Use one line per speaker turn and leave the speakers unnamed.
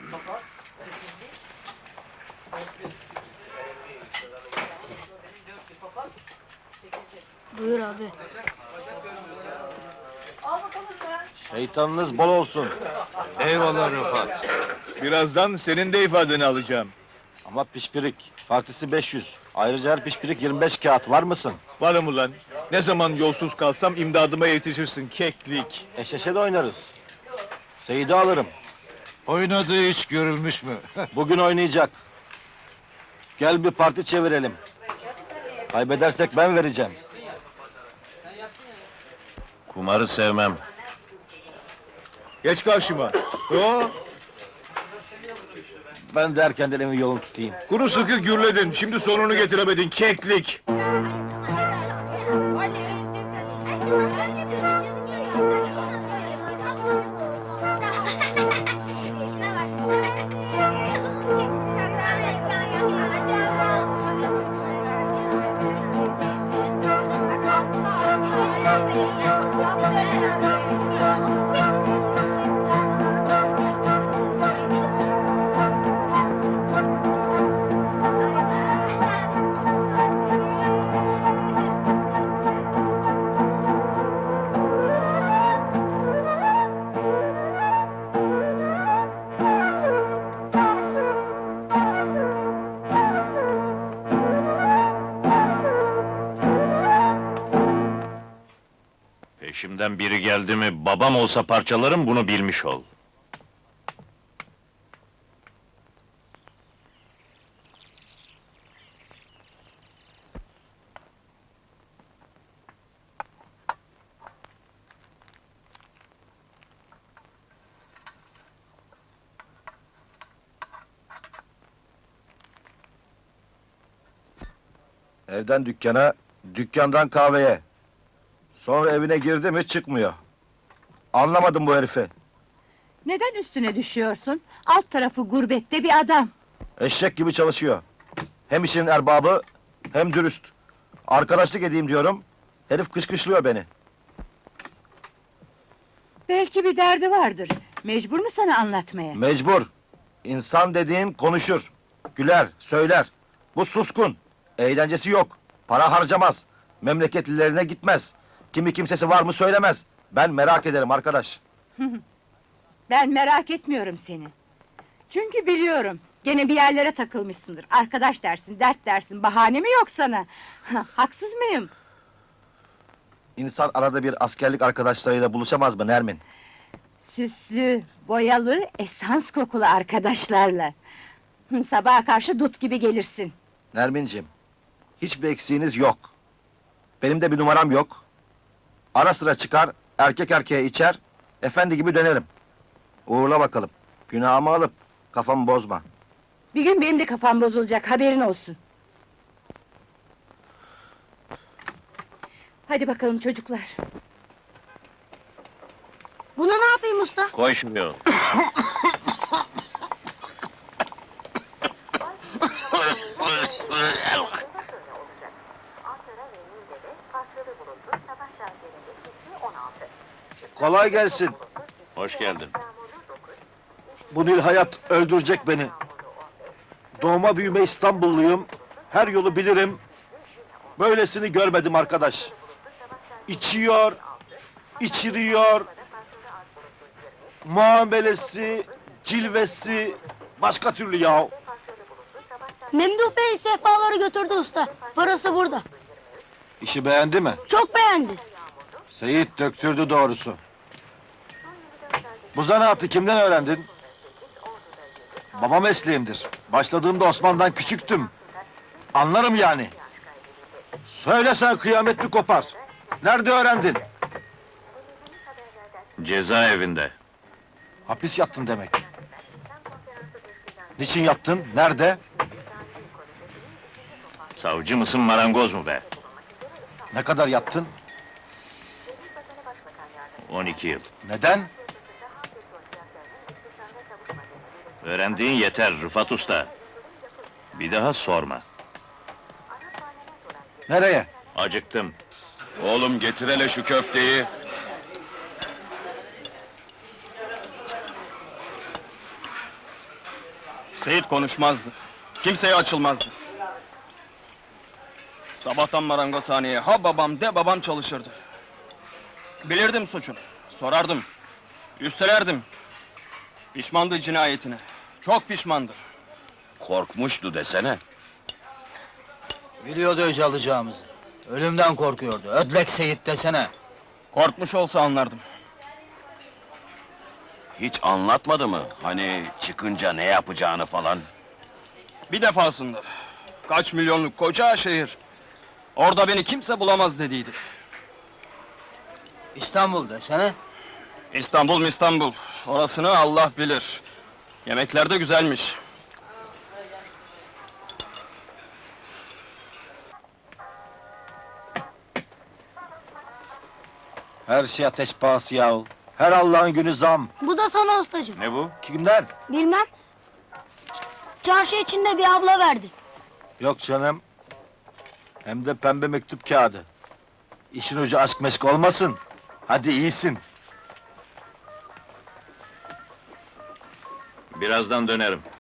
Buyur abi.
Şeytanınız bol olsun.
Eyvallah Rıfat. Birazdan senin de ifadeni alacağım.
Ama pişpirik, partisi 500. Ayrıca her pişpirik 25 kağıt, var mısın?
Varım ulan. Ne zaman yolsuz kalsam imdadıma yetişirsin, keklik.
Eşeşe de oynarız. Seyit'i alırım.
Oynadığı hiç görülmüş mü?
Bugün oynayacak. Gel bir parti çevirelim. Kaybedersek ben vereceğim.
Kumarı sevmem.
Geç karşıma. Oo,
Ben de erkenden evin yolunu tutayım.
kuru sıkı gürledin, şimdi sonunu getiremedin, keklik.
Peşimden biri geldi mi, babam olsa parçalarım, bunu bilmiş ol.
Evden dükkana, dükkandan kahveye. Sonra evine girdi mi çıkmıyor. Anlamadım bu herifi.
Neden üstüne düşüyorsun? Alt tarafı gurbette bir adam.
Eşek gibi çalışıyor. Hem işin erbabı, hem dürüst. Arkadaşlık edeyim diyorum, herif kışkışlıyor beni.
Belki bir derdi vardır. Mecbur mu sana anlatmaya?
Mecbur. İnsan dediğin konuşur, güler, söyler. Bu suskun, eğlencesi yok, para harcamaz, memleketlilerine gitmez. Kimi kimsesi var mı söylemez. Ben merak ederim arkadaş.
Ben merak etmiyorum seni. Çünkü biliyorum, gene bir yerlere takılmışsındır. Arkadaş dersin, dert dersin, bahane mi yok sana? Haksız mıyım?
İnsan arada bir askerlik arkadaşlarıyla buluşamaz mı Nermin?
Süslü, boyalı, esans kokulu arkadaşlarla. Sabaha karşı dut gibi gelirsin.
Nerminciğim, hiçbir eksiğiniz yok. Benim de bir numaram yok. Ara sıra çıkar, erkek erkeğe içer, efendi gibi dönerim. Uğurla bakalım, günahımı alıp kafamı bozma.
Bir gün benim de kafam bozulacak, haberin olsun. Hadi bakalım çocuklar.
Bunu ne yapayım usta?
Koşmuyor.
Kolay gelsin.
Hoş geldin.
Bu Nil hayat öldürecek beni. Doğma büyüme İstanbulluyum. Her yolu bilirim. Böylesini görmedim arkadaş. İçiyor, içiriyor. Muamelesi, cilvesi başka türlü ya.
Memduh Bey sehpaları götürdü usta. Parası burada.
İşi beğendi mi?
Çok beğendi.
Seyit döktürdü doğrusu. Bu zanaatı kimden öğrendin? Baba mesleğimdir. Başladığımda Osman'dan küçüktüm. Anlarım yani. Söylesen kıyamet mi kopar? Nerede öğrendin?
Cezaevinde.
Hapis yattın demek. Niçin yattın? Nerede?
Savcı mısın, marangoz mu be?
Ne kadar yattın?
12 yıl.
Neden?
Öğrendiğin yeter Rıfat Usta. Bir daha sorma.
Nereye?
Acıktım. Oğlum getir hele şu köfteyi.
Seyit konuşmazdı. Kimseye açılmazdı. Sabahtan marangozhaneye ha babam de babam çalışırdı. Bilirdim suçunu. Sorardım. Üstelerdim. Pişmandı cinayetine. Çok pişmandı.
Korkmuştu desene.
Biliyordu öc alacağımızı. Ölümden korkuyordu. Ödlek Seyit desene.
Korkmuş olsa anlardım.
Hiç anlatmadı mı? Hani çıkınca ne yapacağını falan?
Bir defasında. Kaç milyonluk koca şehir. Orada beni kimse bulamaz dediydi.
İstanbul desene.
İstanbul. Orasını Allah bilir. Yemekler de güzelmiş.
Her şey ateş pahası yahu. Her Allah'ın günü zam.
Bu da sana ustacığım.
Ne bu?
Kimden?
Bilmem. Çarşı içinde bir abla verdi.
Yok canım. Hem de pembe mektup kağıdı. İşin ucu aşk meşk olmasın. Hadi iyisin.
Birazdan dönerim.